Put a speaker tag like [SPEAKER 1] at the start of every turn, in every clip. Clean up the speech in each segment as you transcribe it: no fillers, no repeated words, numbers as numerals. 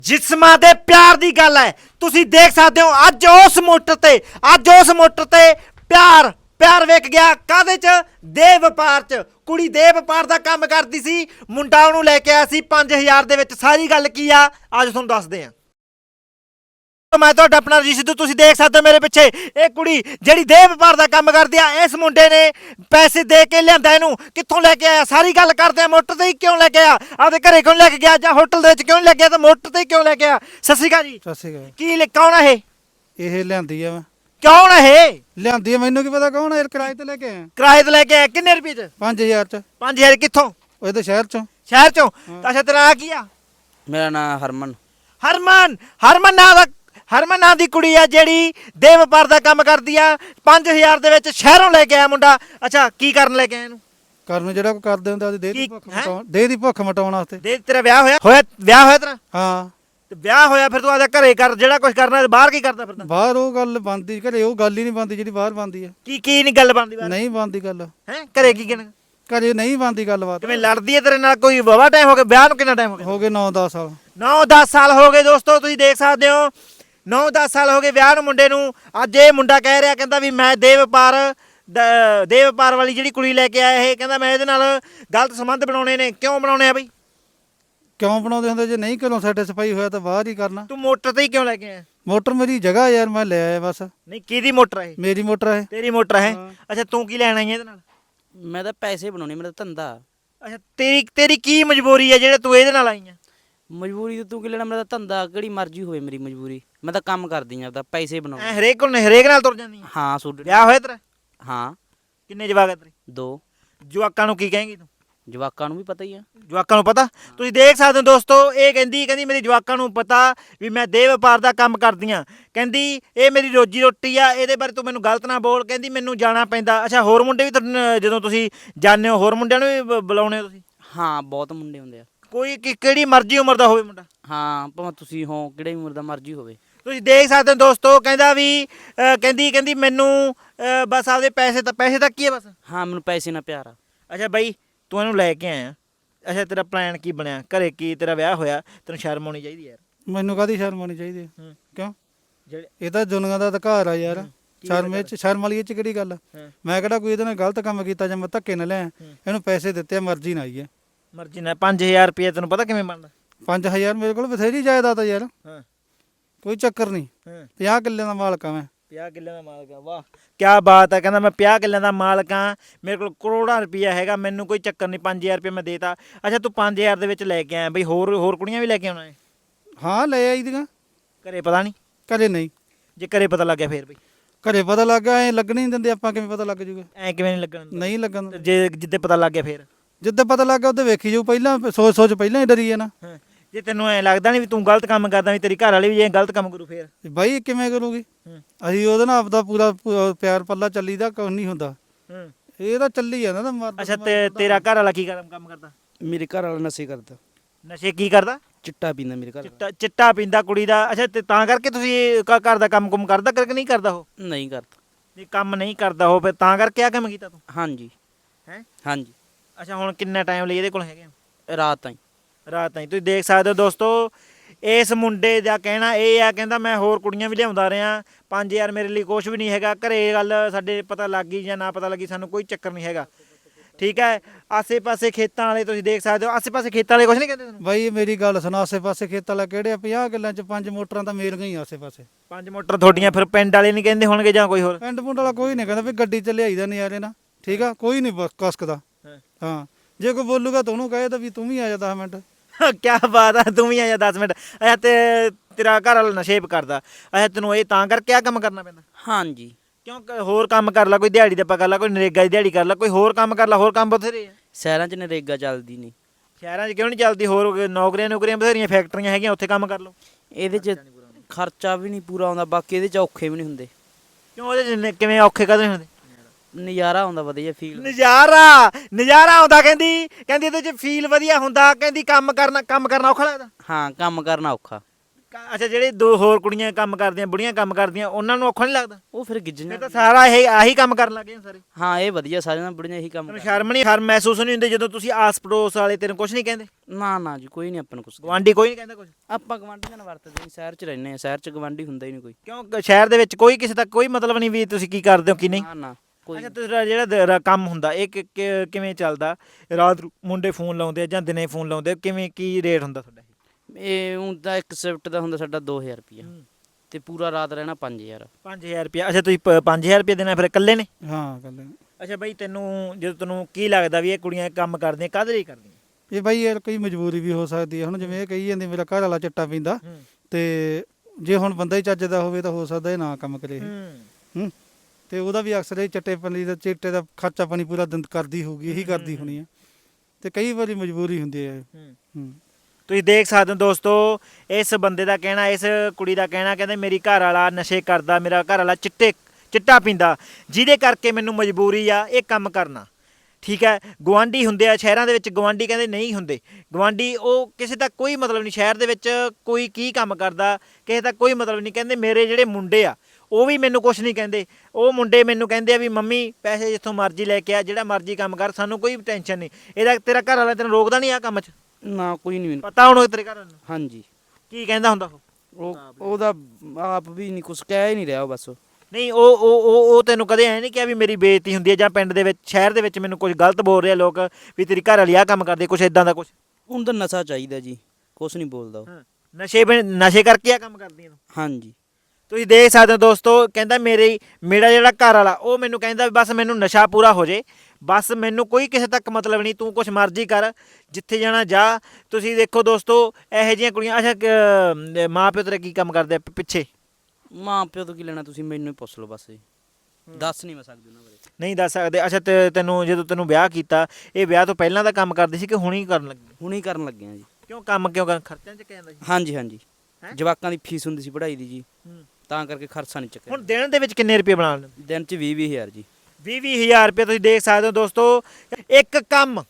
[SPEAKER 1] ਜਿਸਮਾਂ ਦੇ ਪਿਆਰ ਦੀ ਗੱਲ ਹੈ। ਤੁਸੀਂ ਦੇਖ ਸਕਦੇ ਹੋ ਅੱਜ ਉਸ ਮੋਟਰ ਤੇ ਪਿਆਰ ਪਿਆਰ ਵੇਖ ਗਿਆ ਕਾਹਦੇ ਚ ਦੇ ਵਪਾਰ ਚ। ਕੁੜੀ ਦੇ ਵਪਾਰ ਦਾ ਕੰਮ ਕਰਦੀ ਸੀ, ਮੁੰਡਾ ਉਹਨੂੰ ਲੈ ਕੇ ਆਇਆ ਸੀ 5000 ਦੇ ਵਿੱਚ। ਸਾਰੀ ਗੱਲ ਕੀ ਆ ਅੱਜ ਤੁਹਾਨੂੰ ਦੱਸਦੇ ਆ। ਮੈਂ ਤੁਹਾਡਾ ਆਪਣਾ ਰਿਸ਼ਤੂ, ਤੁਸੀਂ ਦੇਖ ਸਕਦੇ ਹੋ ਮੇਰੇ ਪਿੱਛੇ ਇਹ ਕੁੜੀ ਜਿਹੜੀ ਦੇ ਵਪਾਰ ਦਾ ਕੰਮ ਕਰਦੀ ਆ। ਇਸ ਮੁੰਡੇ ਨੇ ਪੈਸੇ ਦੇ ਕੇ ਲਿਆਂਦਾ, ਇਹਨੂੰ ਕਿੱਥੋਂ ਲੈ ਕੇ ਆਇਆ ਸਾਰੀ ਗੱਲ ਕਰਦੇ ਆ। ਮੋਟਰ ਤੇ ਹੀ ਕਿਉਂ ਲੈ ਕੇ ਆਇਆ, ਆਪਦੇ ਘਰੇ ਕਿਉਂ ਲੈ ਕੇ ਗਿਆ, ਜਾਂ ਹੋਟਲ ਦੇ ਵਿੱਚ ਕਿਉਂ ਲੈ ਕੇ ਆਇਆ, ਤਾਂ ਮੋਟਰ ਤੇ ਕਿਉਂ ਲੈ ਕੇ ਆਇਆ। ਸਤਿ ਸ਼੍ਰੀ ਅਕਾਲ ਜੀ।
[SPEAKER 2] ਸਤਿ ਸ਼੍ਰੀ ਅਕਾਲ।
[SPEAKER 1] ਕੀ ਕੌਣ ਹੈ
[SPEAKER 2] ਇਹ ਲਿਆਂਦੀ ਆ ਮੈਂ।
[SPEAKER 1] ਕੌਣ ਹੈ ਇਹ?
[SPEAKER 2] ਲਿਆਂਦੀ ਆ, ਮੈਨੂੰ ਕੀ ਪਤਾ ਕੌਣ ਹੈ। ਕਿਰਾਏ ਤੇ ਲੈ ਕੇ ਆਇਆ।
[SPEAKER 1] ਕਿਰਾਏ ਤੇ ਲੈ ਕੇ ਆਇਆ। ਕਿੰਨੇ ਰੁਪਏ ਚ?
[SPEAKER 2] 5000 ਚ।
[SPEAKER 1] 5000 ਕਿੱਥੋਂ?
[SPEAKER 2] ਉਹ ਤਾਂ ਸ਼ਹਿਰ ਚੋਂ।
[SPEAKER 1] ਸ਼ਹਿਰ ਚੋਂ। ਅੱਛਾ ਤੇਰਾ ਨਾਂ ਕੀ ਆ?
[SPEAKER 3] ਮੇਰਾ ਨਾਮ ਹਰਮਨ।
[SPEAKER 1] ਹਰਮਨ ਨਾਂ ਦੀ ਕੁੜੀ ਆ ਜਿਹੜੀ ਦੇ ਵਪਾਰ ਦਾ ਕੰਮ ਕਰਦੀ ਆ। 5000 ਦੇ ਵਿੱਚ ਸ਼ਹਿਰੋਂ ਲੈ ਕੇ ਆਇਆ ਮੁੰਡਾ। ਅੱਛਾ ਕੀ ਕਰਨ ਲੈ ਕੇ ਆਇਆ ਇਹਨੂੰ?
[SPEAKER 2] ਕਰਨ ਨੂੰ ਜਿਹੜਾ ਕੋਈ ਕਰਦੇ ਹੁੰਦਾ ਉਹਦੀ ਦੇਹ ਦੀ
[SPEAKER 1] ਕੀ-
[SPEAKER 2] ਭੁੱਖ
[SPEAKER 1] ਹੈਂ?
[SPEAKER 2] ਮਟਾਉਣ, ਦੇਹ ਦੀ ਭੁੱਖ ਮਟਾਉਣ ਵਾਸਤੇ।
[SPEAKER 1] ਦੇ ਤੇਰਾ ਵਿਆਹ ਹੋਇਆ ਤੇਰਾ?
[SPEAKER 2] ਹਾਂ,
[SPEAKER 1] ਤੇ ਵਿਆਹ ਹੋਇਆ ਫਿਰ ਤੂੰ ਆਦਾ ਘਰੇ ਕਰ ਜਿਹੜਾ ਕੁਝ ਕਰਨਾ, ਬਾਹਰ ਕੀ ਕਰਦਾ ਫਿਰਦਾ?
[SPEAKER 2] ਬਾਹਰ ਉਹ ਗੱਲ ਬਣਦੀ, ਘਰੇ ਉਹ ਗੱਲ ਹੀ ਨਹੀਂ ਬਣਦੀ ਜਿਹੜੀ ਬਾਹਰ ਬਣਦੀ ਹੈ।
[SPEAKER 1] ਕੀ ਨਹੀਂ ਗੱਲ ਬਣਦੀ ਬਾਹਰ?
[SPEAKER 2] ਨਹੀਂ ਬਣਦੀ ਗੱਲ,
[SPEAKER 1] ਹੈ ਘਰੇ ਕੀ ਕਹਿਣਾ?
[SPEAKER 2] ਘਰੇ ਨਹੀਂ ਬਣਦੀ ਗੱਲਬਾਤ।
[SPEAKER 1] ਕਿਵੇਂ ਲੜਦੀ ਹੈ ਤੇਰੇ ਨਾਲ? ਕੋਈ ਬਾਵਾ ਟਾਈਮ ਹੋ ਗਿਆ ਵਿਆਹ ਨੂੰ? ਕਿੰਨਾ ਟਾਈਮ ਹੋ ਗਿਆ?
[SPEAKER 2] ਹੋ ਗਏ 9-10 ਸਾਲ।
[SPEAKER 1] 9-10 ਸਾਲ ਹੋ ਗਏ ਦੋਸਤੋ, ਤੁਸੀਂ ਦੇਖ ਸਕਦੇ ਹੋ 9-10 ਸਾਲ ਹੋ ਗਏ ਵਿਆਹ ਨੂੰ ਮੁੰਡੇ ਨੂੰ। ਅੱਜ ਇਹ ਮੁੰਡਾ ਕਹਿ ਰਿਹਾ, ਕਹਿੰਦਾ ਵੀ ਮੈਂ ਦੇ ਵਪਾਰ ਵਾਲੀ ਜਿਹੜੀ ਕੁੜੀ ਲੈ ਕੇ ਆਇਆ ਇਹ, ਕਹਿੰਦਾ ਮੈਂ ਇਹਦੇ ਨਾਲ ਗਲਤ ਸੰਬੰਧ ਬਣਾਉਣੇ ਨੇ। ਕਿਉਂ ਬਣਾਉਣੇ ਆ ਬਈ?
[SPEAKER 2] ਕਿਉਂ ਬਣਾਉਂਦੇ ਹੁੰਦੇ? ਜੇ ਨਹੀਂ ਘਰੋਂ ਸੈਟੀਸਫਾਈ ਹੋਇਆ ਤਾਂ ਬਾਹਰ ਹੀ ਕਰਨਾ।
[SPEAKER 1] ਤੂੰ ਮੋਟਰ ਤੇ ਹੀ ਕਿਉਂ ਲੈ ਕੇ ਆਇਆ?
[SPEAKER 2] ਮੋਟਰ ਮੇਰੀ ਜਗ੍ਹਾ ਯਾਰ, ਮੈਂ ਲੈ ਆਇਆ ਬਸ।
[SPEAKER 1] ਨਹੀਂ ਕਿਹਦੀ ਮੋਟਰ ਹੈ ਇਹ?
[SPEAKER 2] ਮੇਰੀ ਮੋਟਰ ਹੈ।
[SPEAKER 1] ਤੇਰੀ ਮੋਟਰ ਹੈ?
[SPEAKER 2] ਹਾਂ।
[SPEAKER 1] ਅੱਛਾ ਤੂੰ ਕੀ ਲੈਣ ਆਈ ਹੈ ਇਹਦੇ ਨਾਲ?
[SPEAKER 3] ਮੈਂ ਤਾਂ ਪੈਸੇ ਬਣਾਉਣੇ, ਮੇਰਾ ਧੰਦਾ।
[SPEAKER 1] ਅੱਛਾ ਤੇਰੀ ਕੀ ਮਜਬੂਰੀ ਹੈ ਜਿਹੜੇ ਤੂੰ ਇਹਦੇ ਨਾਲ ਆਈ ਆ?
[SPEAKER 3] ਮਜਬੂਰੀ ਤਾਂ ਤੂੰ ਕੀ ਲੈਣਾ, ਮੇਰਾ ਤਾਂ ਧੰਦਾ। ਕਿਹੜੀ ਮਰਜ਼ੀ ਹੋਵੇ ਮੇਰੀ ਮਜਬੂਰੀ, ਮੈਂ ਤਾਂ ਕੰਮ ਕਰਦੀ ਆਂ ਆਪਦਾ, ਪੈਸੇ ਬਣਾਉਣੇ।
[SPEAKER 1] ਐ ਹਰੇਕ ਨਾਲ ਤੁਰ ਜਾਂਦੀ ਆ?
[SPEAKER 3] ਹਾਂ ਸੂਟ।
[SPEAKER 1] ਵਿਆਹ ਹੋਇਆ ਤੇਰਾ?
[SPEAKER 3] ਹਾਂ
[SPEAKER 1] ਕਿੰਨੇ ਜਵਾਕ ਆ ਤੇਰੇ?
[SPEAKER 3] 2
[SPEAKER 1] ਜਵਾਕਾਂ ਨੂੰ ਕੀ ਕਹੇਂਗੀ ਤੂੰ?
[SPEAKER 3] ਜਵਾਕਾਂ ਨੂੰ ਵੀ ਪਤਾ ਹੀ ਆ।
[SPEAKER 1] ਜਵਾਕਾਂ ਨੂੰ ਪਤਾ? ਤੁਸੀਂ ਦੇਖ ਸਕਦੇ ਹੋ ਦੋਸਤੋ, ਇਹ ਕਹਿੰਦੀ ਮੇਰੇ ਜਵਾਕਾਂ ਨੂੰ ਪਤਾ ਵੀ ਮੈਂ ਦੇ ਵਪਾਰ ਦਾ ਕੰਮ ਕਰਦੀ ਆ। ਕਹਿੰਦੀ ਇਹ ਮੇਰੀ ਰੋਜੀ ਰੋਟੀ ਆ, ਇਹਦੇ ਬਾਰੇ ਤੂੰ ਮੈਨੂੰ ਗਲਤ ਨਾ ਬੋਲ। ਕਹਿੰਦੀ ਮੈਨੂੰ ਜਾਣਾ ਪੈਂਦਾ। ਅੱਛਾ ਹੋਰ ਮੁੰਡੇ ਵੀ ਜਦੋਂ ਤੁਸੀਂ ਜਾਂਦੇ ਹੋ ਹੋਰ ਮੁੰਡਿਆਂ ਨੂੰ ਵੀ ਬੁਲਾਉਣੇ ਹੋ ਤੁਸੀਂ?
[SPEAKER 3] ਹਾਂ ਬਹੁਤ ਮੁੰਡੇ ਹੁੰਦੇ ਆ।
[SPEAKER 1] ਕੋਈ ਕਿਹੜੀ ਮਰਜ਼ੀ ਉਮਰ ਦਾ ਹੋਵੇ ਮੁੰਡਾ?
[SPEAKER 3] ਹਾਂ ਭਾਵੇਂ ਤੁਸੀਂ ਹੋ ਕਿਹੜੇ ਉਮਰ ਦਾ ਮਰਜ਼ੀ ਹੋਵੇ।
[SPEAKER 1] ਤੁਸੀਂ ਦੇਖ ਸਕਦੇ ਹੋ ਦੋਸਤੋ, ਕਹਿੰਦਾ ਵੀ ਕਹਿੰਦੀ ਮੈਨੂੰ ਬਸ ਆਪਦੇ ਪੈਸੇ ਤੱਕ ਹੀ ਹੈ ਬਸ।
[SPEAKER 3] ਹਾਂ ਮੈਨੂੰ ਪੈਸੇ ਨਾਲ ਪਿਆਰ ਆ।
[SPEAKER 1] ਅੱਛਾ ਬਾਈ ਤੂੰ ਇਹਨੂੰ ਲੈ ਕੇ ਆਇਆ, ਅੱਛਾ ਤੇਰਾ ਪਲਾਨ ਕੀ ਬਣਿਆ? ਘਰੇ ਕੀ ਤੇਰਾ ਵਿਆਹ ਹੋਇਆ, ਤੈਨੂੰ ਸ਼ਰਮ ਆਉਣੀ ਚਾਹੀਦੀ ਯਾਰ।
[SPEAKER 2] ਮੈਨੂੰ ਕਾਹਦੀ ਸ਼ਰਮ ਆਉਣੀ ਚਾਹੀਦੀ ਹੈ?
[SPEAKER 1] ਹੂੰ।
[SPEAKER 2] ਕਿਉਂ?
[SPEAKER 1] ਜਿਹੜੇ
[SPEAKER 2] ਇਹ ਤਾਂ ਦੁਨੀਆ ਦਾ ਅਧਿਕਾਰ ਆ ਯਾਰ। ਸ਼ਰਮ ਵਾਲੀ ਇਹ ਚ ਕਿਹੜੀ ਗੱਲ ਆ?
[SPEAKER 1] ਹਾਂ।
[SPEAKER 2] ਮੈਂ ਕਿਹੜਾ ਕੋਈ ਇਹਦੇ ਨਾਲ ਗਲਤ ਕੰਮ ਕੀਤਾ ਜਾਂ ਮੈਂ ਧੱਕੇ ਨਾਲ ਲਿਆ। ਇਹਨੂੰ ਪੈਸੇ ਦਿੱਤੇ ਆ, ਮਰਜ਼ੀ ਨਾਲ ਆਈ ਹੈ।
[SPEAKER 1] ਮਰਜ਼ੀ ਨਾਲ 5000 ਰੁਪਏ ਤੈਨੂੰ ਪਤਾ ਕਿਵੇਂ ਬਣਦਾ?
[SPEAKER 2] 5000 ਮੇਰੇ ਕੋਲ ਬਥੇਰੀ ਜਾਇਦਾਦ ਆ ਯਾਰ,
[SPEAKER 1] ਹਾਂ
[SPEAKER 2] ਕੋਈ ਚੱਕਰ ਨਹੀਂ।
[SPEAKER 1] ਹਾਂ
[SPEAKER 2] 50 ਕਿੱਲੇ ਦਾ ਮਾਲਕ ਆ ਮੈਂ।
[SPEAKER 1] 50 ਕਿੱਲਿਆਂ ਦਾ ਮਾਲਕ ਆ, ਵਾਹ ਕਿਆ ਬਾਤ ਹੈ। ਕਹਿੰਦਾ ਮੈਂ 50 ਕਿੱਲਿਆਂ ਦਾ ਮਾਲਕ ਆ, ਮੇਰੇ ਕੋਲ ਕਰੋੜਾਂ ਰੁਪਈਆ ਹੈਗਾ, ਮੈਨੂੰ ਕੋਈ ਚੱਕਰ ਨਹੀਂ। 5000 ਰੁਪਏ ਮੈਂ ਦੇਤਾ। ਅੱਛਾ ਤੂੰ 5000 ਦੇ ਵਿੱਚ ਲੈ ਕੇ ਆਇਆ ਬਈ, ਹੋਰ ਕੁੜੀਆਂ ਵੀ ਲੈ ਕੇ ਆਉਣਾ ਹੈ?
[SPEAKER 2] ਹਾਂ ਲੈ ਆਈ ਦੀਆਂ।
[SPEAKER 1] ਘਰੇ ਪਤਾ ਨਹੀਂ?
[SPEAKER 2] ਘਰੇ ਨਹੀਂ।
[SPEAKER 1] ਜੇ ਘਰੇ ਪਤਾ ਲੱਗ ਗਿਆ ਫੇਰ ਬਈ?
[SPEAKER 2] ਘਰੇ ਪਤਾ ਲੱਗ ਗਿਆ ਐ ਲੱਗਣ ਹੀ ਨਹੀਂ ਦਿੰਦੇ ਆਪਾਂ, ਕਿਵੇਂ ਪਤਾ ਲੱਗ ਜੂਗਾ?
[SPEAKER 1] ਐ ਕਿਵੇਂ ਨਹੀਂ ਲੱਗਣ ਦਿੰਦੇ?
[SPEAKER 2] ਨਹੀਂ ਲੱਗਣ
[SPEAKER 1] ਤੇ
[SPEAKER 2] ਦਿੰਦੇ।
[SPEAKER 1] ਜੇ ਜਿੱਦੇ ਪਤਾ ਲੱਗ ਗਿਆ ਫੇਰ?
[SPEAKER 2] ਜਿੱਦਾਂ ਪਤਾ ਲੱਗ ਗਿਆ ਉਹਦੇ ਵੇਖੀ ਜਾਊ। ਪਹਿਲਾਂ ਸੋਚ ਪਹਿਲਾਂ ਹੀ ਡਰੀ ਹੈ ਨਾ।
[SPEAKER 1] ਹਾਂ ਜੇ ਤੈਨੂੰ ਐ ਲੱਗਦਾ ਨਹੀਂ ਵੀ ਤੂੰ ਗਲਤ ਕੰਮ ਕਰਦਾ, ਵੀ ਤੇਰੀ ਘਰ ਵਾਲੀ ਵੀ ਜੇ ਗਲਤ ਕੰਮ ਕਰੂ ਫੇਰ?
[SPEAKER 2] ਬਾਈ ਕਿਵੇਂ ਕਰੂਗੀ?
[SPEAKER 1] ਹੂੰ
[SPEAKER 2] ਅਸੀਂ ਉਹਦੇ ਨਾਲ ਆਪਦਾ ਪੂਰਾ ਪਿਆਰ ਪੱਲਾ ਚੱਲੀਦਾ, ਕੁਛ ਨਹੀਂ ਹੁੰਦਾ।
[SPEAKER 1] ਹੂੰ
[SPEAKER 2] ਇਹ ਤਾਂ ਚੱਲੀ ਜਾਂਦਾ ਨਾ ਮਰਦਾ।
[SPEAKER 1] ਅੱਛਾ ਤੇਰਾ ਘਰ ਵਾਲਾ ਕੀ ਕੰਮ ਕਰਦਾ?
[SPEAKER 3] ਮੇਰੇ ਘਰ ਵਾਲਾ ਨਸ਼ੇ ਕਰਦਾ,
[SPEAKER 1] ਨਸ਼ੇ ਕੀ ਕਰਦਾ?
[SPEAKER 3] ਚਿੱਟਾ ਪੀਂਦਾ ਮੇਰੇ ਘਰ ਵਾਲਾ।
[SPEAKER 1] ਚਿੱਟਾ ਪੀਂਦਾ ਕੁੜੀ ਦਾ। ਅੱਛਾ ਤੇ ਤਾਂ ਕਰਕੇ ਤੁਸੀਂ ਘਰ ਦਾ ਕੰਮ ਕਰਦਾ ਕਰਕੇ ਨਹੀਂ ਕਰਦਾ ਉਹ?
[SPEAKER 3] ਨਹੀਂ ਕਰਦਾ।
[SPEAKER 1] ਨਹੀਂ ਕੰਮ ਨਹੀਂ ਕਰਦਾ ਉਹ, ਫਿਰ ਤਾਂ ਕਰਕੇ ਆ ਕੰਮ ਕੀਤਾ ਤੂੰ?
[SPEAKER 3] ਹਾਂਜੀ
[SPEAKER 1] ਹੈ
[SPEAKER 3] ਹਾਂਜੀ।
[SPEAKER 1] ਅੱਛਾ ਹੁਣ ਕਿੰਨਾ ਟਾਈਮ ਲਈ ਇਹਦੇ ਕੋਲ ਹੈਗੇ?
[SPEAKER 3] ਰਾਤ ਤਾਈਂ।
[SPEAKER 1] ਰਾਤ ਤਾਈਂ। ਤੁਸੀਂ ਦੇਖ ਸਕਦੇ ਹੋ ਦੋਸਤੋ, ਇਸ ਮੁੰਡੇ ਦਾ ਕਹਿਣਾ ਇਹ ਆ, ਕਹਿੰਦਾ ਮੈਂ ਹੋਰ ਕੁੜੀਆਂ ਵੀ ਲਿਆਉਂਦਾ ਰਿਹਾ, 5000 ਮੇਰੇ ਲਈ ਕੁਛ ਵੀ ਨਹੀਂ ਹੈਗਾ। ਘਰੇ ਗੱਲ ਸਾਡੇ ਪਤਾ ਲੱਗ ਗਈ ਜਾਂ ਨਾ ਪਤਾ ਲੱਗੀ, ਸਾਨੂੰ ਕੋਈ ਚੱਕਰ ਨਹੀਂ ਹੈਗਾ। ਠੀਕ ਹੈ। ਆਸੇ-ਪਾਸੇ ਖੇਤਾਂ ਵਾਲੇ ਤੁਸੀਂ ਦੇਖ ਸਕਦੇ ਹੋ, ਆਸੇ-ਪਾਸੇ ਖੇਤਾਂ ਵਾਲੇ ਕੁਛ ਨਹੀਂ ਕਹਿੰਦੇ ਤੁਹਾਨੂੰ?
[SPEAKER 2] ਬਾਈ ਮੇਰੀ ਗੱਲ ਸੁਣ, ਆਸੇ-ਪਾਸੇ ਖੇਤਾਂ ਵਾਲਾ ਕਿਹੜੇ ਆ? 50 ਕਿੱਲਿਆਂ ਚ 5 ਮੋਟਰਾਂ ਤਾਂ ਮੇਰੀਆਂ ਹੀ ਆਸੇ-ਪਾਸੇ।
[SPEAKER 1] 5 ਮੋਟਰ ਤੁਹਾਡੀਆਂ? ਫਿਰ ਪਿੰਡ ਵਾਲੇ ਨਹੀਂ ਕਹਿੰਦੇ ਹੋਣਗੇ ਜਾਂ ਕੋਈ ਹੋਰ?
[SPEAKER 2] ਪਿੰਡ ਪੁੰਡ ਵਾਲਾ ਕੋਈ ਨਹੀਂ ਕਹਿੰਦਾ ਵੀ ਗੱਡੀ ਚ ਲਿਆਈਦਾ ਨਜ਼ਾਰੇ ਨਾ। ਠੀਕ ਆ, ਕੋਈ ਨਹੀਂ ਕਸਕਦਾ। ਹਾਂ ਜੇ ਕੋਈ ਬੋਲੂਗਾ ਤਾਂ ਉਹਨੂੰ ਕਹੇ ਤਾਂ ਵੀ ਤੂੰ ਵੀ ਆ ਜਾ 10 ਮਿੰਟ।
[SPEAKER 1] ਕਿਆ ਬਾਤ ਆ, ਤੂੰ ਵੀ ਆ ਜਾ 10 ਮਿੰਟ। ਅੱਛਾ ਤੇ ਤੇਰਾ ਘਰ ਵਾਲਾ ਨਸ਼ੇ ਕਰਦਾ, ਅੱਛਾ ਤੈਨੂੰ ਇਹ ਤਾਂ ਕਰਕੇ ਆ ਕੰਮ ਕਰਨਾ ਪੈਂਦਾ?
[SPEAKER 3] ਹਾਂਜੀ।
[SPEAKER 1] ਕਿਉਂ ਹੋਰ ਕੰਮ ਕਰ ਲੈ, ਕੋਈ ਦਿਹਾੜੀ ਦਾ ਕਰ ਲੈ, ਕੋਈ ਨਰੇਗਾ ਦੀ ਦਿਹਾੜੀ ਕਰ ਲੈ, ਕੋਈ ਹੋਰ ਕੰਮ ਕਰ ਲੈ। ਹੋਰ ਕੰਮ ਬਥੇਰੇ ਆ
[SPEAKER 3] ਸ਼ਹਿਰਾਂ 'ਚ ਨਰੇਗਾ ਚੱਲਦੀ ਨਹੀਂ।
[SPEAKER 1] ਸ਼ਹਿਰਾਂ 'ਚ ਕਿਉਂ ਨਹੀਂ ਚੱਲਦੀ? ਹੋਰ ਨੌਕਰੀਆਂ ਬਥੇਰੀਆਂ, ਫੈਕਟਰੀਆਂ ਹੈਗੀਆਂ, ਉੱਥੇ ਕੰਮ ਕਰ ਲਓ।
[SPEAKER 3] ਇਹਦੇ 'ਚ ਖਰਚਾ ਵੀ ਨਹੀਂ ਪੂਰਾ ਆਉਂਦਾ, ਬਾਕੀ ਇਹਦੇ 'ਚ ਔਖੇ ਵੀ ਨਹੀਂ ਹੁੰਦੇ।
[SPEAKER 1] ਕਿਉਂ ਉਹਦੇ 'ਚ ਕਿਵੇਂ ਔਖੇ ਕਦੇ ਹੁੰਦੇ?
[SPEAKER 3] ਨਜ਼ਾਰਾ ਆਉਂਦਾ ਵਧੀਆ, ਫੀਲ।
[SPEAKER 1] ਨਜ਼ਾਰਾ ਆਉਂਦਾ। ਕਹਿੰਦੀ ਇਹਦੇ 'ਚ ਫੀਲ ਵਧੀਆ ਹੁੰਦਾ। ਕਹਿੰਦੀ ਕੰਮ ਕਰਨਾ ਔਖਾ ਲੱਗਦਾ?
[SPEAKER 3] ਹਾਂ ਕੰਮ ਕਰਨਾ ਔਖਾ।
[SPEAKER 1] ਅੱਛਾ ਜਿਹੜੇ ਦੋ ਹੋਰ ਕੁੜੀਆਂ ਕੰਮ ਕਰਦੀਆਂ ਬੁੜੀਆਂ ਕੰਮ ਕਰਦੀਆਂ ਉਹਨਾਂ ਨੂੰ ਔਖਾ ਨਹੀਂ ਲੱਗਦਾ?
[SPEAKER 3] ਉਹ ਫਿਰ ਗਿੱਜੀਆਂ
[SPEAKER 1] ਇਹ ਤਾਂ ਸਾਰਾ ਇਹ ਆਹੀ ਕੰਮ ਕਰਨ ਲੱਗੇ ਸਾਰੇ।
[SPEAKER 3] ਹਾਂ ਇਹ ਵਧੀਆ ਸਾਰਿਆਂ ਨਾਲ ਬੁੜੀਆਂ ਇਹੀ ਕੰਮ
[SPEAKER 1] ਤੁਹਾਨੂੰ
[SPEAKER 3] ਕਰਦੀਆਂ।
[SPEAKER 1] ਸ਼ਰਮ ਮਹਿਸੂਸ ਨਹੀਂ ਹੁੰਦੀ ਜਦੋਂ ਤੁਸੀਂ ਆਸ ਪੜੋਸ ਵਾਲੇ ਤੈਨੂੰ ਕੁਝ ਨਹੀਂ ਕਹਿੰਦੇ?
[SPEAKER 3] ਨਾ ਨਾ ਜੀ ਕੋਈ ਨਹੀਂ ਆਪਾਂ ਨੂੰ ਕੁਛ
[SPEAKER 1] ਗਵਾਂਢੀ ਕੋਈ ਨਹੀਂ ਕਹਿੰਦਾ ਕੁਝ?
[SPEAKER 3] ਆਪਾਂ ਗਵਾਂਢੀਆਂ ਨਾਲ ਵਰਤਦੇ ਨਹੀਂ, ਸ਼ਹਿਰ 'ਚ ਰਹਿੰਦੇ ਆ, ਸ਼ਹਿਰ 'ਚ ਗਵਾਂਢੀ ਹੁੰਦਾ ਹੀ ਨਹੀਂ ਕੋਈ।
[SPEAKER 1] ਕਿਉਂ ਸ਼ਹਿਰ ਦੇ ਵਿੱਚ ਕੋਈ ਕਿਸੇ ਦਾ ਕੋਈ ਮਤਲਬ ਨਹੀਂ ਵੀ ਤੁਸੀਂ ਕੀ ਕਰਦੇ ਹੋ ਕੀ ਨਹੀਂ?
[SPEAKER 3] ਨਾ ਨਾ ਕੋਈ
[SPEAKER 1] ਅੱਛਾ ਤੁਹਾਡਾ ਜਿਹੜਾ ਕੰਮ ਹੁੰਦਾ ਇਹ ਕਿਵੇਂ ਚੱਲਦਾ? ਰਾਤ ਨੂੰ ਮੁੰਡੇ ਫੋਨ ਲਾਉਂਦੇ ਆ ਜਾਂ ਦਿਨੇ ਫੋਨ ਲਾਉਂਦੇ ਆ, ਕਿਵੇਂ ਕੀ ਰੇਟ ਹੁੰਦਾ ਤੁਹਾਡਾ?
[SPEAKER 3] ਇਹ ਹੁਣ ਤਾਂ ਇੱਕ ਸ਼ਿਫਟ ਦਾ ਹੁੰਦਾ ਸਾਡਾ 2000 ਰੁਪਿਆ ਤੇ ਪੂਰਾ ਰਾਤ ਰਹਿਣਾ 5000।
[SPEAKER 1] 5000 ਰੁਪਇਆ? ਅੱਛਾ ਤੁਸੀਂ 5000 ਰੁਪਇਆ ਦੇਣਾ ਫਿਰ ਇਕੱਲੇ ਨੇ?
[SPEAKER 2] ਹਾਂ ਗੱਲ
[SPEAKER 1] ਅੱਛਾ ਬਾਈ ਜਦੋਂ ਤੈਨੂੰ ਕੀ ਲੱਗਦਾ ਵੀ ਇਹ ਕੁੜੀਆਂ ਕੰਮ ਕਰਦੀਆਂ ਕਾਹਦੇ ਲਈ ਕਰਦੀਆਂ?
[SPEAKER 2] ਇਹ ਬਾਈ ਯਾਰ ਕੋਈ ਮਜਬੂਰੀ ਵੀ ਹੋ ਸਕਦੀ ਹੈ। ਹੁਣ ਜਿਵੇਂ ਇਹ ਕਹੀ ਜਾਂਦੇ ਮੇਰਾ ਘਰ ਵਾਲਾ ਚਿੱਟਾ ਪੀਂਦਾ, ਤੇ ਜੇ ਹੁਣ ਬੰਦਾ ਹੀ ਚੱਜ ਦਾ ਹੋਵੇ ਤਾਂ ਹੋ ਸਕਦਾ ਇਹ ਨਾ ਕੰਮ ਕਰੇ ਇਹ। ਤੇ ਉਹਦਾ ਵੀ ਅਕਸਰ ਇਹ ਚਿੱਟੇ ਦਾ ਖਰਚਾ ਪਾਣੀ ਪੂਰਾ ਦਿਨ ਕਰਦੀ ਹੋਊਗੀ, ਇਹੀ ਕਰਦੀ ਹੋਣੀ ਹੈ, ਤੇ ਕਈ ਵਾਰੀ ਮਜਬੂਰੀ ਹੁੰਦੀ ਹੈ।
[SPEAKER 1] ਤੁਸੀਂ ਦੇਖ ਸਕਦੇ ਹੋ ਦੋਸਤੋ, ਇਸ ਬੰਦੇ ਦਾ ਕਹਿਣਾ, ਇਸ ਕੁੜੀ ਦਾ ਕਹਿਣਾ, ਕਹਿੰਦੇ ਮੇਰੀ ਘਰ ਵਾਲਾ ਨਸ਼ੇ ਕਰਦਾ, ਮੇਰਾ ਘਰ ਵਾਲਾ ਚਿੱਟਾ ਪੀਂਦਾ, ਜਿਹਦੇ ਕਰਕੇ ਮੈਨੂੰ ਮਜਬੂਰੀ ਆ ਇਹ ਕੰਮ ਕਰਨਾ। ਠੀਕ ਹੈ, ਗੁਆਂਢੀ ਹੁੰਦੇ ਆ ਸ਼ਹਿਰਾਂ ਦੇ ਵਿੱਚ, ਗੁਆਂਢੀ ਕਹਿੰਦੇ ਨਹੀਂ ਹੁੰਦੇ ਗੁਆਂਢੀ, ਉਹ ਕਿਸੇ ਦਾ ਕੋਈ ਮਤਲਬ ਨਹੀਂ। ਸ਼ਹਿਰ ਦੇ ਵਿੱਚ ਕੋਈ ਕੀ ਕੰਮ ਕਰਦਾ ਕਿਸੇ ਦਾ ਕੋਈ ਮਤਲਬ ਨਹੀਂ। ਕਹਿੰਦੇ ਮੇਰੇ ਜਿਹੜੇ ਮੁੰਡੇ ਆ ਉਹ ਵੀ ਮੈਨੂੰ ਕੁਝ ਨਹੀਂ ਕਹਿੰਦੇ, ਉਹ ਮੁੰਡੇ ਮੈਨੂੰ ਕਹਿੰਦੇ ਆ ਵੀ ਮੰਮੀ ਪੈਸੇ ਜਿੱਥੋਂ ਮਰਜ਼ੀ ਲੈ ਕੇ ਆ, ਜਿਹੜਾ ਮਰਜ਼ੀ ਕੰਮ ਕਰ, ਸਾਨੂੰ ਕੋਈ ਟੈਨਸ਼ਨ ਨਹੀਂ। ਇਹਦਾ ਤੇਰਾ ਘਰ ਵਾਲਾ ਤੈਨੂੰ ਰੋਕਦਾ ਨਹੀਂ ਆ ਕੰਮ 'ਚ?
[SPEAKER 3] ਨਾ ਕੋਈ ਨਹੀਂ ਮੈਨੂੰ
[SPEAKER 1] ਪਤਾ ਹੁਣ ਤੇਰੇ ਘਰ ਵਾਲੇ ਨੂੰ
[SPEAKER 3] ਹਾਂਜੀ
[SPEAKER 1] ਕੀ ਕਹਿੰਦਾ ਹੁੰਦਾ
[SPEAKER 3] ਉਹਦਾ ਆਪ ਵੀ ਨਹੀਂ ਕੁਝ ਕਹਿ ਹੀ ਨਹੀਂ ਰਿਹਾ ਉਹ ਬਸ।
[SPEAKER 1] ਨਹੀਂ ਉਹ ਤੈਨੂੰ ਕਦੇ ਐ ਨਹੀਂ ਕਿਹਾ ਵੀ ਮੇਰੀ ਬੇਇੱਜ਼ਤੀ ਹੁੰਦੀ ਹੈ ਜਾਂ ਪਿੰਡ ਦੇ ਵਿੱਚ ਸ਼ਹਿਰ ਦੇ ਵਿੱਚ ਮੈਨੂੰ ਕੁਝ ਗਲਤ ਬੋਲ ਰਹੇ ਲੋਕ ਵੀ ਤੇਰੀ ਘਰ ਵਾਲੀ ਆਹ ਕੰਮ ਕਰਦੀ, ਕੁਝ ਇਦਾਂ ਦਾ ਕੁਝ?
[SPEAKER 3] ਹੁਣ ਤਾਂ ਨਸ਼ਾ ਚਾਹੀਦਾ ਜੀ, ਕੁਝ ਨਹੀਂ ਬੋਲਦਾ ਉਹ।
[SPEAKER 1] ਨਸ਼ੇ ਕਰਕੇ ਆ ਕੰਮ ਕਰਦੀਆਂ ਤੂੰ?
[SPEAKER 3] ਹਾਂਜੀ
[SPEAKER 1] ਤੁਸੀਂ ਦੇਖ ਸਕਦੇ ਹੋ ਦੋਸਤੋ, ਕਹਿੰਦਾ ਮੇਰਾ ਜਿਹੜਾ ਘਰ ਵਾਲਾ ਉਹ ਮੈਨੂੰ ਕਹਿੰਦਾ ਵੀ ਬਸ ਮੈਨੂੰ ਨਸ਼ਾ ਪੂਰਾ ਹੋ ਜੇ, ਬਸ ਮੈਨੂੰ ਕੋਈ ਕਿਸੇ ਤੱਕ ਮਤਲਬ ਨਹੀਂ, ਤੂੰ ਕੁਛ ਮਰਜ਼ੀ ਕਰ, ਜਿੱਥੇ ਜਾਣਾ ਜਾ। ਤੁਸੀਂ ਦੇਖੋ ਦੋਸਤੋ ਇਹੋ ਜਿਹੀਆਂ ਕੁੜੀਆਂ। ਅੱਛਾ ਮਾਂ ਪਿਓ ਤੇਰੇ ਕੀ ਕੰਮ ਕਰਦੇ ਪਿੱਛੇ?
[SPEAKER 3] ਮਾਂ ਪਿਓ ਤੋਂ ਕੀ ਲੈਣਾ, ਤੁਸੀਂ ਮੈਨੂੰ ਹੀ ਪੁੱਛ ਲਓ ਬਸ। ਦੱਸ ਨਹੀਂ ਮੈਂ ਸਕਦੀ ਉਹਨਾਂ ਬਾਰੇ।
[SPEAKER 1] ਨਹੀਂ ਦੱਸ ਸਕਦੇ? ਅੱਛਾ ਤੈਨੂੰ ਜਦੋਂ ਤੈਨੂੰ ਵਿਆਹ ਕੀਤਾ, ਇਹ ਵਿਆਹ ਤੋਂ ਪਹਿਲਾਂ ਦਾ ਕੰਮ ਕਰਦੀ ਸੀ ਕਿ ਹੁਣੀ ਕਰਨ ਲੱਗੀ?
[SPEAKER 3] ਹੁਣੀ ਕਰਨ ਲੱਗੇ ਆ ਜੀ।
[SPEAKER 1] ਕਿਉਂ ਕੰਮ ਕਿਉਂ ਕਰਨ? ਖਰਚਿਆਂ 'ਚ ਕਹਿੰਦਾ ਜੀ?
[SPEAKER 3] ਹਾਂਜੀ ਹਾਂਜੀ, ਜਵਾਕਾਂ ਦੀ ਫੀਸ ਹੁੰਦੀ ਸੀ ਪੜ੍ਹਾਈ ਦੀ ਜੀ, ਤਾਂ ਕਰਕੇ ਖਰਚਾ ਨਹੀਂ ਚੱਕਿਆ।
[SPEAKER 1] ਹੁਣ ਦਿਨ ਦੇ ਵਿੱਚ ਕਿੰਨੇ ਰੁਪਏ ਬਣਾ ਲੈਂਦੇ?
[SPEAKER 3] ਦਿਨ 'ਚ 20-20000 ਜੀ।
[SPEAKER 1] 20,000 ਰੁਪਏ ਤੁਸੀਂ ਦੇਖ ਸਕਦੇ ਹੋ ਦੋਸਤੋ। ਇੱਕ ਕੰਮ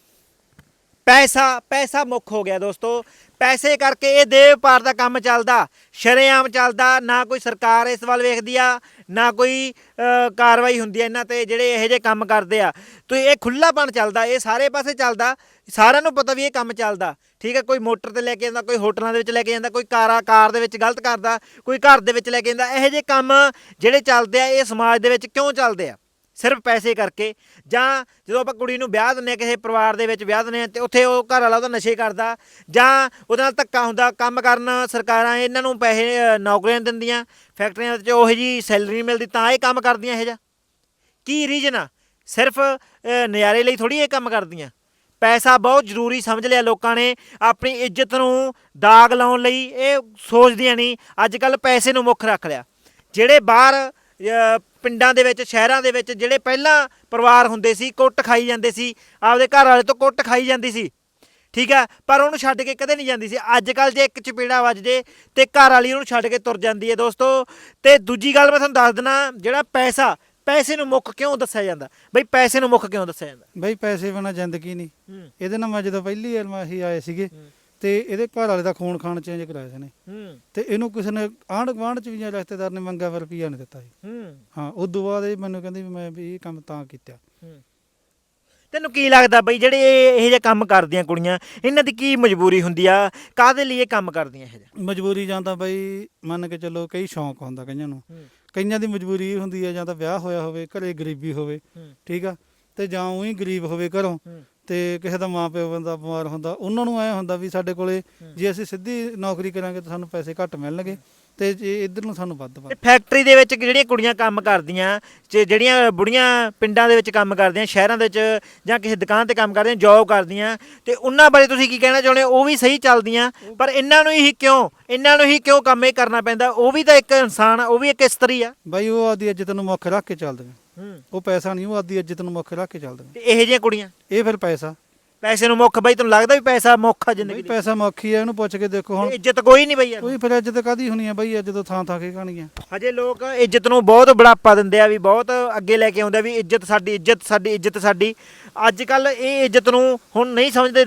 [SPEAKER 1] ਪੈਸਾ ਮੁੱਖ ਹੋ ਗਿਆ ਦੋਸਤੋ। ਪੈਸੇ ਕਰਕੇ ਇਹ ਦੇਹ ਵਪਾਰ ਦਾ ਕੰਮ ਚੱਲਦਾ, ਸ਼ਰੇਆਮ ਚੱਲਦਾ। ਨਾ ਕੋਈ ਸਰਕਾਰ ਇਸ ਵੱਲ ਵੇਖਦੀ ਆ, ਨਾ ਕੋਈ ਕਾਰਵਾਈ ਹੁੰਦੀ ਹੈ ਇਹਨਾਂ ਤੇ ਜਿਹੜੇ ਇਹੋ ਜਿਹੇ ਕੰਮ ਕਰਦੇ ਆ। ਤੁਸੀਂ ਇਹ ਖੁੱਲ੍ਹਾਪਣ ਚੱਲਦਾ, ਇਹ ਸਾਰੇ ਪਾਸੇ ਚੱਲਦਾ, ਸਾਰਿਆਂ ਨੂੰ ਪਤਾ ਵੀ ਇਹ ਕੰਮ ਚੱਲਦਾ। ਠੀਕ ਹੈ, ਕੋਈ ਮੋਟਰ ਤੇ ਲੈ ਕੇ ਜਾਂਦਾ, ਕੋਈ ਹੋਟਲਾਂ ਦੇ ਵਿੱਚ ਲੈ ਕੇ ਜਾਂਦਾ, ਕੋਈ ਕਾਰ ਦੇ ਵਿੱਚ ਗਲਤ ਕਰਦਾ, ਕੋਈ ਘਰ ਦੇ ਵਿੱਚ ਲੈ ਕੇ ਜਾਂਦਾ। ਇਹੋ ਜਿਹੇ ਕੰਮ ਜਿਹੜੇ ਚੱਲਦੇ ਆ ਇਹ ਸਮਾਜ ਦੇ ਵਿੱਚ ਕਿਉਂ ਚੱਲਦੇ ਆ? ਸਿਰਫ ਪੈਸੇ ਕਰਕੇ। ਜਾਂ ਜਦੋਂ ਆਪਾਂ ਕੁੜੀ ਨੂੰ ਵਿਆਹ ਦਿੰਦੇ ਹਾਂ, ਕਿਸੇ ਪਰਿਵਾਰ ਦੇ ਵਿੱਚ ਵਿਆਹ ਦਿੰਦੇ ਹਾਂ, ਅਤੇ ਉੱਥੇ ਉਹ ਘਰ ਵਾਲਾ ਉਹਦਾ ਨਸ਼ੇ ਕਰਦਾ ਜਾਂ ਉਹਦੇ ਨਾਲ ਧੱਕਾ ਹੁੰਦਾ, ਕੰਮ ਕਰਨ ਸਰਕਾਰਾਂ ਇਹਨਾਂ ਨੂੰ ਪੈਸੇ ਨੌਕਰੀਆਂ ਦਿੰਦੀਆਂ, ਫੈਕਟਰੀਆਂ ਵਿੱਚ ਉਹੋ ਜਿਹੀ ਸੈਲਰੀ ਨਹੀਂ ਮਿਲਦੀ, ਤਾਂ ਇਹ ਕੰਮ ਕਰਦੀਆਂ। ਇਹੋ ਜਿਹਾ ਕੀ ਰੀਜਨ ਆ? ਸਿਰਫ ਨਜ਼ਾਰੇ ਲਈ ਥੋੜ੍ਹੀ ਇਹ ਕੰਮ ਕਰਦੀਆਂ। ਪੈਸਾ ਬਹੁਤ ਜ਼ਰੂਰੀ ਸਮਝ ਲਿਆ ਲੋਕਾਂ ਨੇ, ਆਪਣੀ ਇੱਜ਼ਤ ਨੂੰ ਦਾਗ ਲਾਉਣ ਲਈ ਇਹ ਸੋਚਦੀਆਂ ਨਹੀਂ। ਅੱਜ ਕੱਲ੍ਹ ਪੈਸੇ ਨੂੰ ਮੁੱਖ ਰੱਖ ਲਿਆ। ਜਿਹੜੇ ਬਾਹਰ ਪਿੰਡਾਂ ਦੇ ਵਿੱਚ, ਸ਼ਹਿਰਾਂ ਦੇ ਵਿੱਚ ਜਿਹੜੇ ਪਹਿਲਾਂ ਪਰਿਵਾਰ ਹੁੰਦੇ ਸੀ, ਕੁੱਟ ਖਾਈ ਜਾਂਦੇ ਸੀ, ਆਪਦੇ ਘਰ ਵਾਲੇ ਤੋਂ ਕੁੱਟ ਖਾਈ ਜਾਂਦੀ ਸੀ। ਠੀਕ ਆ, ਪਰ ਉਹਨੂੰ ਛੱਡ ਕੇ ਕਦੇ ਨਹੀਂ ਜਾਂਦੀ ਸੀ। ਅੱਜ ਕੱਲ੍ਹ ਜੇ ਇੱਕ ਚਪੇੜਾ ਵੱਜ ਜੇ ਤੇ ਘਰ ਵਾਲੀ ਉਹਨੂੰ ਛੱਡ ਕੇ ਤੁਰ ਜਾਂਦੀ ਹੈ ਦੋਸਤੋ। ਤੇ ਦੂਜੀ ਗੱਲ ਮੈਂ ਤੁਹਾਨੂੰ ਦੱਸ ਦਿੰਦਾ, ਜਿਹੜਾ ਪੈਸੇ ਨੂੰ ਮੁੱਖ ਕਿਉਂ ਦੱਸਿਆ ਜਾਂਦਾ ਬਈ? ਪੈਸੇ ਨੂੰ ਮੁੱਖ ਕਿਉਂ ਦੱਸਿਆ ਜਾਂਦਾ
[SPEAKER 2] ਬਈ? ਪੈਸੇ ਬਿਨਾਂ ਜ਼ਿੰਦਗੀ ਨਹੀਂ। ਇਹਦੇ ਨਾਲ ਮੈਂ ਜਦੋਂ ਪਹਿਲੀ ਵਾਰ ਮੈਂ ਅਸੀਂ ਆਏ ਸੀਗੇ ਤੇ ਇਹਦੇ ਘਰ ਵਾਲੇ ਦਾ ਖੂਨ ਖਾਨ ਚੇਂਜ ਕਰਾਇਆ ਸੀ ਨੇ, ਤੇ ਇਹਨੂੰ ਕਿਸੇ ਨੇ ਆਂਢ ਗੁਆਂਢ ਚ ਵੀ ਜਾਂ ਰਿਸ਼ਤੇਦਾਰ ਨੇ ਮੰਗਿਆ ਪਰ ਰੁਪਈਆ ਨਹੀਂ ਦਿੱਤਾ ਸੀ। ਹਾਂ, ਉਦੋਂ ਬਾਅਦ ਇਹ ਮੈਨੂੰ ਕਹਿੰਦੀ ਵੀ ਮੈਂ ਵੀ ਇਹ ਕੰਮ ਤਾਂ ਕੀਤਾ।
[SPEAKER 1] ਤੈਨੂੰ ਕੀ ਲੱਗਦਾ ਬਈ ਜਿਹੜੇ ਇਹ ਜਿਹੇ ਕੰਮ ਕਰਦੀਆਂ ਕੁੜੀਆਂ, ਇਹਨਾਂ ਦੀ ਕੀ ਮਜਬੂਰੀ ਹੁੰਦੀ ਆ? ਕਾਹਦੇ ਲਈ ਇਹ ਕੰਮ ਕਰਦੀਆਂ ਇਹ ਜਿਹਾ?
[SPEAKER 2] ਮਜਬੂਰੀ ਜਾਂ ਤਾਂ ਬਈ ਮੰਨ ਕੇ ਚੱਲੋ ਕਈ ਸ਼ੌਂਕ ਹੁੰਦਾ ਕਈਆਂ ਨੂੰ, ਕਈਆਂ ਦੀ ਮਜਬੂਰੀ ਇਹ ਹੁੰਦੀ ਹੈ ਜਾਂ ਤਾਂ ਵਿਆਹ ਹੋਇਆ ਹੋਵੇ, ਘਰੇ ਗਰੀਬੀ ਹੋਵੇ, ਠੀਕ ਆ, ਤੇ ਜਾਂ ਉਹੀ ਗਰੀਬ ਹੋਵੇ ਘਰੋਂ, ਤੇ ਕਿਸੇ ਦਾ ਮਾਂ ਪਿਓ ਬੰਦਾ ਬਿਮਾਰ ਹੁੰਦਾ, ਉਹਨਾਂ ਨੂੰ ਐਂ ਹੁੰਦਾ ਵੀ ਸਾਡੇ ਕੋਲੇ ਜੇ ਅਸੀਂ ਸਿੱਧੀ ਨੌਕਰੀ ਕਰਾਂਗੇ ਤਾਂ ਸਾਨੂੰ ਪੈਸੇ ਘੱਟ ਮਿਲਣਗੇ, ਤੇ ਜੇ ਇੱਧਰ ਨੂੰ ਸਾਨੂੰ ਵੱਧ।
[SPEAKER 1] ਫੈਕਟਰੀ ਦੇ ਵਿੱਚ ਜਿਹੜੀਆਂ ਕੁੜੀਆਂ ਕੰਮ ਕਰਦੀਆਂ, ਜਿਹੜੀਆਂ ਬੁੜੀਆਂ ਪਿੰਡਾਂ ਦੇ ਵਿੱਚ ਕੰਮ ਕਰਦੀਆਂ, ਸ਼ਹਿਰਾਂ ਦੇ ਵਿੱਚ ਜਾਂ ਕਿਸੇ ਦੁਕਾਨ ਤੇ ਕੰਮ ਕਰਦੀਆਂ, ਜੌਬ ਕਰਦੀਆਂ, ਤੇ ਉਹਨਾਂ ਬਾਰੇ ਤੁਸੀਂ ਕੀ ਕਹਿਣਾ ਚਾਹੁੰਦੇ? ਉਹ ਵੀ ਸਹੀ ਚੱਲਦੀਆਂ, ਪਰ ਇਹਨਾਂ ਨੂੰ ਹੀ ਕਿਉਂ ਕੰਮ ਇਹ ਕਰਨਾ ਪੈਂਦਾ? ਉਹ ਵੀ ਤਾਂ ਇੱਕ ਇਨਸਾਨ ਆ, ਉਹ ਵੀ ਇੱਕ ਇਸਤਰੀ ਆ
[SPEAKER 2] ਬਾਈ। ਉਹ ਆਪਦੀ ਇੱਜ਼ਤ ਨੂੰ ਮੁੱਖ ਰੱਖ ਕੇ ਚੱਲਦੇ ਨੇ, ਉਹ ਪੈਸਾ ਨਹੀਂ, ਉਹ ਆਪਦੀ ਇੱਜ਼ਤ ਨੂੰ ਮੁੱਖ ਰੱਖ ਕੇ ਚੱਲਦੇ ਨੇ।
[SPEAKER 1] ਤੇ ਇਹੋ ਜਿਹੀਆਂ ਕੁੜੀਆਂ
[SPEAKER 2] ਇਹ ਫਿਰ ਪੈਸੇ
[SPEAKER 1] ਨੂੰ ਮੁੱਖ ਬਈ? ਤੁਹਾਨੂੰ ਲੱਗਦਾ ਵੀ ਪੈਸਾ ਮੁੱਖ ਆ ਜ਼ਿੰਦਗੀ ਦੀ?
[SPEAKER 2] ਪੈਸਾ ਮੁੱਖ ਹੀ ਆ, ਇਹਨੂੰ ਪੁੱਛ ਕੇ ਦੇਖੋ। ਹੁਣ
[SPEAKER 1] ਇੱਜ਼ਤ ਕੋਈ ਨਹੀਂ ਬਈ ਯਾਰ।
[SPEAKER 2] ਕੋਈ ਫਿਰ ਇੱਜ਼ਤ ਕਾਹਦੀ ਹੋਣੀ ਆ ਬਈ? ਜਦੋਂ ਥਾਂ ਕੇ ਕਹਾਣੀਆਂ।
[SPEAKER 1] ਹਜੇ ਲੋਕ ਇੱਜ਼ਤ ਨੂੰ ਬਹੁਤ ਬੜਾਪਾ ਦਿੰਦੇ ਆ, ਵੀ ਬਹੁਤ ਅੱਗੇ ਲੈ ਕੇ ਆਉਂਦੇ ਵੀ ਇੱਜ਼ਤ ਸਾਡੀ। ਅੱਜ ਕੱਲ ਇਹ ਇੱਜ਼ਤ ਨੂੰ ਹੁਣ ਨਹੀਂ ਸਮਝਦੇ ਲੋਕ।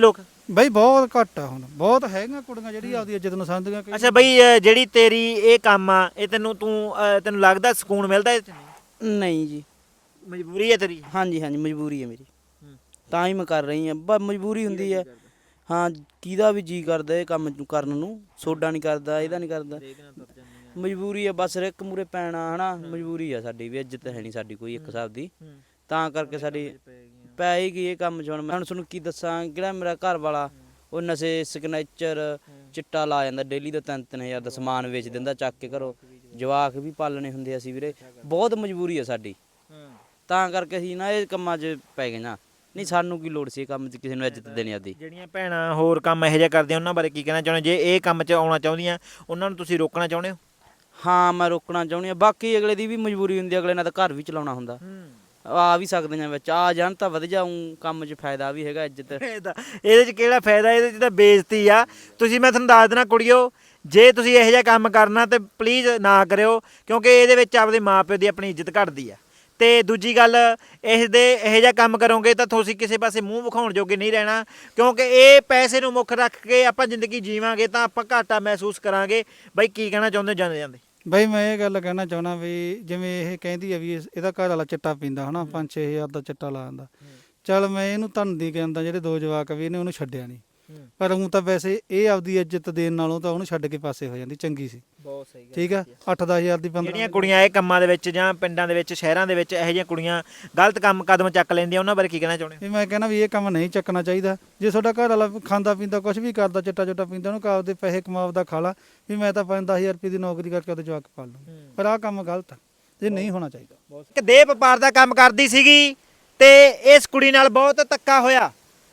[SPEAKER 2] ਬਈ ਬਹੁਤ ਘੱਟ ਆ ਹੁਣ, ਬਹੁਤ ਹੈਗੀਆਂ ਕੁੜੀਆਂ ਜਿਹੜੀ ਆਪਦੀ ਇੱਜ਼ਤ ਨੂੰ ਸਮਝਦੀਆਂ ਕਿ
[SPEAKER 1] ਅੱਛਾ ਬਈ ਜਿਹੜੀ ਤੇਰੀ ਇਹ ਕੰਮ ਆ ਇਹ ਤੈਨੂੰ ਲੱਗਦਾ ਸਕੂਨ ਮਿਲਦਾ ਇਹ 'ਚ? ਨਹੀਂ,
[SPEAKER 3] ਨਹੀਂ ਜੀ।
[SPEAKER 1] ਮਜਬੂਰੀ ਹੈ ਤੇਰੀ।
[SPEAKER 3] ਹਾਂਜੀ ਹਾਂਜੀ ਮਜਬੂਰੀ ਹੈ ਮੇਰੀ, ਤਾਂ ਹੀ ਮੈਂ ਕਰ ਰਹੀ ਹਾਂ। ਬਸ ਮਜਬੂਰੀ ਹੁੰਦੀ ਹੈ। ਹਾਂ, ਕਿਹਦਾ ਵੀ ਜੀ ਕਰਦਾ ਇਹ ਕੰਮ ਕਰਨ ਨੂੰ, ਸੋਡਾ ਨਹੀਂ ਕਰਦਾ, ਇਹਦਾ ਨਹੀਂ ਕਰਦਾ, ਮਜਬੂਰੀ ਹੈ ਬਸ। ਰਿਕ ਮੂਰੇ ਪੈਣਾ ਹਨਾ, ਮਜਬੂਰੀ ਆ ਸਾਡੀ ਵੀ, ਇੱਜ਼ਤ ਹੈ ਨਹੀਂ ਸਾਡੀ ਕੋਈ ਇੱਕ ਹਿਸਾਬ ਦੀ, ਤਾਂ ਕਰਕੇ ਸਾਡੀ ਪੈ ਹੀ ਗਈ ਇਹ ਕੰਮ 'ਚ। ਹੁਣ ਮੈਂ ਤੁਹਾਨੂੰ ਕੀ ਦੱਸਾਂ, ਜਿਹੜਾ ਮੇਰਾ ਘਰ ਵਾਲਾ ਉਹ ਨਸ਼ੇ ਸਿਗਨੇਚਰ ਚਿੱਟਾ ਲਾ ਜਾਂਦਾ ਡੇਲੀ ਦਾ 3-3000 ਦਾ ਸਮਾਨ ਵੇਚ ਦਿੰਦਾ ਚੱਕ ਕੇ ਘਰੋਂ, ਜਵਾਕ ਵੀ ਪਾਲਣੇ ਹੁੰਦੇ ਅਸੀਂ ਵੀਰੇ, ਬਹੁਤ ਮਜਬੂਰੀ ਆ ਸਾਡੀ, ਤਾਂ ਕਰਕੇ ਅਸੀਂ ਨਾ ਇਹ ਕੰਮਾਂ 'ਚ ਪੈ ਗਏ ਨਾ। ਨਹੀਂ ਸਾਨੂੰ ਕੀ ਲੋੜ ਸੀ ਇਹ ਕੰਮ 'ਚ ਕਿਸੇ ਨੂੰ ਇੱਜ਼ਤ ਦੇਣੀ ਆਦੀ।
[SPEAKER 1] ਜਿਹੜੀਆਂ ਭੈਣਾਂ ਹੋਰ ਕੰਮ ਇਹੋ ਜਿਹਾ ਕਰਦੀਆਂ ਉਹਨਾਂ ਬਾਰੇ ਕੀ ਕਹਿਣਾ ਚਾਹੁੰਦੇ? ਜੇ ਇਹ ਕੰਮ 'ਚ ਆਉਣਾ ਚਾਹੁੰਦੀਆਂ ਉਹਨਾਂ ਨੂੰ ਤੁਸੀਂ ਰੋਕਣਾ ਚਾਹੁੰਦੇ ਹੋ?
[SPEAKER 3] ਹਾਂ ਮੈਂ ਰੋਕਣਾ ਚਾਹੁੰਦੀ ਹਾਂ। ਬਾਕੀ ਅਗਲੇ ਦੀ ਵੀ ਮਜਬੂਰੀ ਹੁੰਦੀ, ਅਗਲੇ ਨਾਲ ਤਾਂ ਘਰ ਵੀ ਚਲਾਉਣਾ ਹੁੰਦਾ, ਆ ਵੀ ਸਕਦੇ ਆ ਵਿੱਚ, ਆ ਜਾਣ ਤਾਂ ਵਧ ਜਾਊ ਕੰਮ 'ਚ, ਫਾਇਦਾ ਵੀ ਹੈਗਾ ਇੱਜ਼ਤ।
[SPEAKER 1] ਇਹਦੇ 'ਚ ਕਿਹੜਾ ਫਾਇਦਾ, ਇਹਦੇ 'ਚ ਤਾਂ ਬੇਇੱਜ਼ਤੀ ਆ। ਤੁਸੀਂ, ਮੈਂ ਤੁਹਾਨੂੰ ਦੱਸ ਦੇਣਾ ਕੁੜੀਓ, ਜੇ ਤੁਸੀਂ ਇਹੋ ਜਿਹਾ ਕੰਮ ਕਰਨਾ ਤੇ ਪਲੀਜ਼ ਨਾ ਕਰਿਓ, ਕਿਉਂਕਿ ਇਹਦੇ ਵਿੱਚ ਆਪਦੇ ਮਾਪਿਓ ਦੀ ਆਪਣੀ ਇੱਜ਼ਤ ਘਟਦੀ ਆ। ਤੇ ਦੂਜੀ ਗੱਲ, ਇਹੋ ਜਿਹਾ ਕੰਮ ਕਰੋਗੇ ਤਾਂ ਤੁਸੀਂ ਕਿਸੇ ਪਾਸੇ ਮੂੰਹ ਵਿਖਾਉਣ ਜੋਗੇ ਨਹੀਂ ਰਹਿਣਾ, ਕਿਉਂਕਿ ਇਹ ਪੈਸੇ ਨੂੰ ਮੁੱਖ ਰੱਖ ਕੇ ਆਪਾਂ ਜ਼ਿੰਦਗੀ ਜੀਵਾਂਗੇ ਤਾਂ ਆਪਾਂ ਘਾਟਾ ਮਹਿਸੂਸ ਕਰਾਂਗੇ। ਬਾਈ ਕੀ ਕਹਿਣਾ ਚਾਹੁੰਦੇ ਜਾਂਦੇ ਜਾਂਦੇ?
[SPEAKER 2] ਬਈ ਮੈਂ ਇਹ ਗੱਲ ਕਹਿਣਾ ਚਾਹੁੰਦਾ ਵੀ ਜਿਵੇਂ ਇਹ ਕਹਿੰਦੀ ਆ ਵੀ ਇਹਦਾ ਘਰ ਵਾਲਾ ਚਿੱਟਾ ਪੀਂਦਾ ਹਨਾ, 5-6 ਹਜ਼ਾਰ ਦਾ ਚਿੱਟਾ ਲਾ ਦਿੰਦਾ, ਚੱਲ ਮੈਂ ਇਹਨੂੰ ਧੰਦੀ ਕਹਿੰਦਾ, ਜਿਹੜੇ 2 ਜਵਾਕ ਵੀ ਇਹਨੇ ਉਹਨੂੰ ਛੱਡਿਆ ਨਹੀਂ, ਪਰ ਉਹ ਤਾਂ ਵੈਸੇ ਇਹ ਆਪਦੀ ਇੱਜ਼ਤ ਦੇਣ ਨਾਲੋਂ ਤਾਂ ਉਹਨੂੰ ਛੱਡ ਕੇ ਪਾਸੇ ਹੋ ਜਾਂਦੀ, ਚੰਗੀ ਸੀ।
[SPEAKER 1] ਬਹੁਤ ਸਹੀ ਗੱਲ।
[SPEAKER 2] ਠੀਕ ਆ, 8-10 ਹਜ਼ਾਰ ਦੀ 15
[SPEAKER 1] ਜਿਹੜੀਆਂ ਕੁੜੀਆਂ ਇਹ ਕੰਮਾਂ ਦੇ ਵਿੱਚ ਜਾਂ ਪਿੰਡਾਂ ਦੇ ਵਿੱਚ ਸ਼ਹਿਰਾਂ ਦੇ ਵਿੱਚ ਇਹੋ ਜਿਹੀਆਂ ਕੁੜੀਆਂ ਗਲਤ ਕਦਮ ਚੱਕ ਲੈਂਦੀਆਂ, ਉਹਨਾਂ ਬਾਰੇ ਕੀ ਕਹਿਣਾ ਚਾਹੁੰਦੇ?
[SPEAKER 2] ਵੀ ਮੈਂ ਕਹਿੰਦਾ ਵੀ ਇਹ ਕੰਮ ਨਹੀਂ ਚੱਕਣਾ ਚਾਹੀਦਾ। ਜੇ ਤੁਹਾਡਾ ਘਰ ਵਾਲਾ ਖਾਂਦਾ ਪੀਂਦਾ ਕੁਝ ਵੀ ਕਰਦਾ, ਚਿੱਟਾ ਚੁੱਟਾ ਪੀਂਦਾ, ਉਹਨੂੰ ਆਪਦੇ ਪੈਸੇ ਕਮਾਵਦਾ ਖਾ ਲਾ, ਵੀ ਮੈਂ ਤਾਂ 5-10 ਹਜ਼ਾਰ ਰੁਪਏ ਦੀ ਨੌਕਰੀ ਕਰਕੇ ਉਹਦੇ ਜਵਾਕ ਪਾਲ ਲੂੰ, ਪਰ ਆਹ ਕੰਮ ਗਲਤ ਆ, ਇਹ ਨਹੀਂ ਹੋਣਾ ਚਾਹੀਦਾ।
[SPEAKER 1] ਇੱਕ ਦੇਹ ਵਪਾਰ ਦਾ ਕੰਮ ਕਰਦੀ ਸੀਗੀ ਤੇ ਇਸ ਕੁੜੀ ਨਾਲ ਬਹੁਤ ਧੱਕਾ ਹੋਇਆ।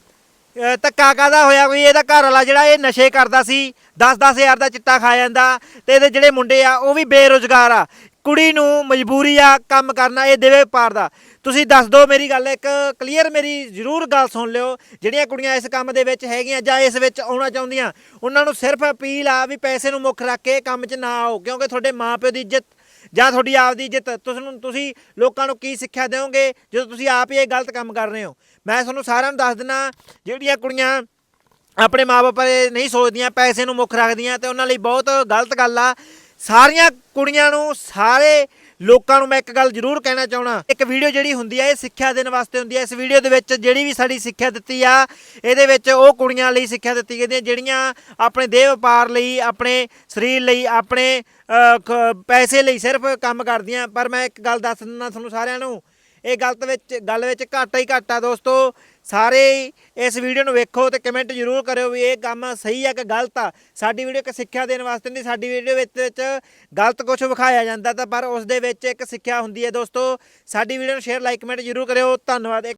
[SPEAKER 1] ਧੱਕਾ ਕਾਹਦਾ ਹੋਇਆ? ਕੋਈ ਇਹਦਾ ਘਰ ਵਾਲਾ ਜਿਹੜਾ ਇਹ ਨਸ਼ੇ ਕਰਦਾ ਸੀ, 10-10 ਹਜ਼ਾਰ ਦਾ ਚਿੱਟਾ ਖਾ ਜਾਂਦਾ, ਤੇ ਇਹਦੇ ਜਿਹੜੇ ਮੁੰਡੇ ਆ ਉਹ ਵੀ ਬੇਰੁਜ਼ਗਾਰ ਆ। ਕੁੜੀ ਨੂੰ ਮਜਬੂਰੀ ਆ ਕੰਮ ਕਰਨਾ ਇਹ ਦੇਹ ਵਪਾਰ ਦਾ। ਤੁਸੀਂ ਦੱਸ ਦਿਓ ਮੇਰੀ ਗੱਲ ਇੱਕ ਕਲੀਅਰ, ਮੇਰੀ ਜ਼ਰੂਰ ਗੱਲ ਸੁਣ ਲਿਓ। ਜਿਹੜੀਆਂ ਕੁੜੀਆਂ ਇਸ ਕੰਮ ਦੇ ਵਿੱਚ ਹੈਗੀਆਂ ਜਾਂ ਇਸ ਵਿੱਚ ਆਉਣਾ ਚਾਹੁੰਦੀਆਂ, ਉਹਨਾਂ ਨੂੰ ਸਿਰਫ ਅਪੀਲ ਆ ਵੀ ਪੈਸੇ ਨੂੰ ਮੁੱਖ ਰੱਖ ਕੇ ਕੰਮ 'ਚ ਨਾ ਆਓ, ਕਿਉਂਕਿ ਤੁਹਾਡੇ ਮਾਪਿਓ ਦੀ ਇੱਜ਼ਤ ਜਾਂ ਤੁਹਾਡੀ ਆਪ ਦੀ ਇੱਜ਼ਤ, ਤੁਸੀਂ ਲੋਕਾਂ ਨੂੰ ਕੀ ਸਿੱਖਿਆ ਦਿਓਗੇ ਜਦੋਂ ਤੁਸੀਂ ਆਪ ਹੀ ਇਹ ਗਲਤ ਕੰਮ ਕਰ ਰਹੇ ਹੋ? ਮੈਂ ਤੁਹਾਨੂੰ ਸਾਰਿਆਂ ਨੂੰ ਦੱਸ ਦਿੰਦਾ, ਜਿਹੜੀਆਂ ਕੁੜੀਆਂ ਆਪਣੇ ਮਾਪੇ ਬਾਰੇ ਨਹੀਂ ਸੋਚਦੀਆਂ, ਪੈਸੇ ਨੂੰ ਮੁੱਖ ਰੱਖਦੀਆਂ, ਤੇ ਉਹਨਾਂ ਲਈ ਬਹੁਤ ਗਲਤ ਗੱਲ ਆ। ਸਾਰੀਆਂ ਕੁੜੀਆਂ ਨੂੰ, ਸਾਰੇ ਲੋਕਾਂ ਨੂੰ ਮੈਂ ਇੱਕ ਗੱਲ ਜ਼ਰੂਰ ਕਹਿਣਾ ਚਾਹਣਾ, ਇੱਕ ਵੀਡੀਓ ਜਿਹੜੀ ਹੁੰਦੀ ਆ ਇਹ ਸਿੱਖਿਆ ਦੇਣ ਵਾਸਤੇ ਹੁੰਦੀ ਆ। ਇਸ ਵੀਡੀਓ ਦੇ ਵਿੱਚ ਜਿਹੜੀ ਵੀ ਸਾਡੀ ਸਿੱਖਿਆ ਦਿੱਤੀ ਆ, ਇਹਦੇ ਵਿੱਚ ਉਹ ਕੁੜੀਆਂ ਲਈ ਸਿੱਖਿਆ ਦਿੱਤੀ ਗਈ ਹੈ ਜਿਹੜੀਆਂ ਆਪਣੇ ਦੇਹ ਵਪਾਰ ਲਈ, ਆਪਣੇ ਸਰੀਰ ਲਈ, ਆਪਣੇ ਪੈਸੇ ਲਈ ਸਿਰਫ ਕੰਮ ਕਰਦੀਆਂ। ਪਰ ਮੈਂ ਇੱਕ ਗੱਲ ਦੱਸ ਦਿੰਦਾ ਤੁਹਾਨੂੰ ਸਾਰਿਆਂ ਨੂੰ, ਇਹ ਗੱਲ ਵਿੱਚ ਘਾਟਾ ਹੀ ਘਾਟਾ ਦੋਸਤੋ। ਸਾਰੇ ਇਸ ਵੀਡੀਓ ਨੂੰ ਵੇਖੋ ਤੇ ਕਮੈਂਟ ਜ਼ਰੂਰ ਕਰਿਓ ਵੀ ਇਹ ਕੰਮ ਸਹੀ ਆ ਕਿ ਗਲਤ ਆ। ਸਾਡੀ ਵੀਡੀਓ ਇੱਕ ਸਿੱਖਿਆ ਦੇਣ ਵਾਸਤੇ ਨਹੀਂ, ਸਾਡੀ ਵੀਡੀਓ ਵਿੱਚ ਗਲਤ ਕੁਝ ਵਿਖਾਇਆ ਜਾਂਦਾ ਤਾਂ ਪਰ ਉਸ ਦੇ ਵਿੱਚ ਇੱਕ ਸਿੱਖਿਆ ਹੁੰਦੀ ਹੈ ਦੋਸਤੋ। ਸਾਡੀ ਵੀਡੀਓ ਨੂੰ ਸ਼ੇਅਰ, ਲਾਈਕ, ਕਮੈਂਟ ਜ਼ਰੂਰ ਕਰਿਓ। ਧੰਨਵਾਦ।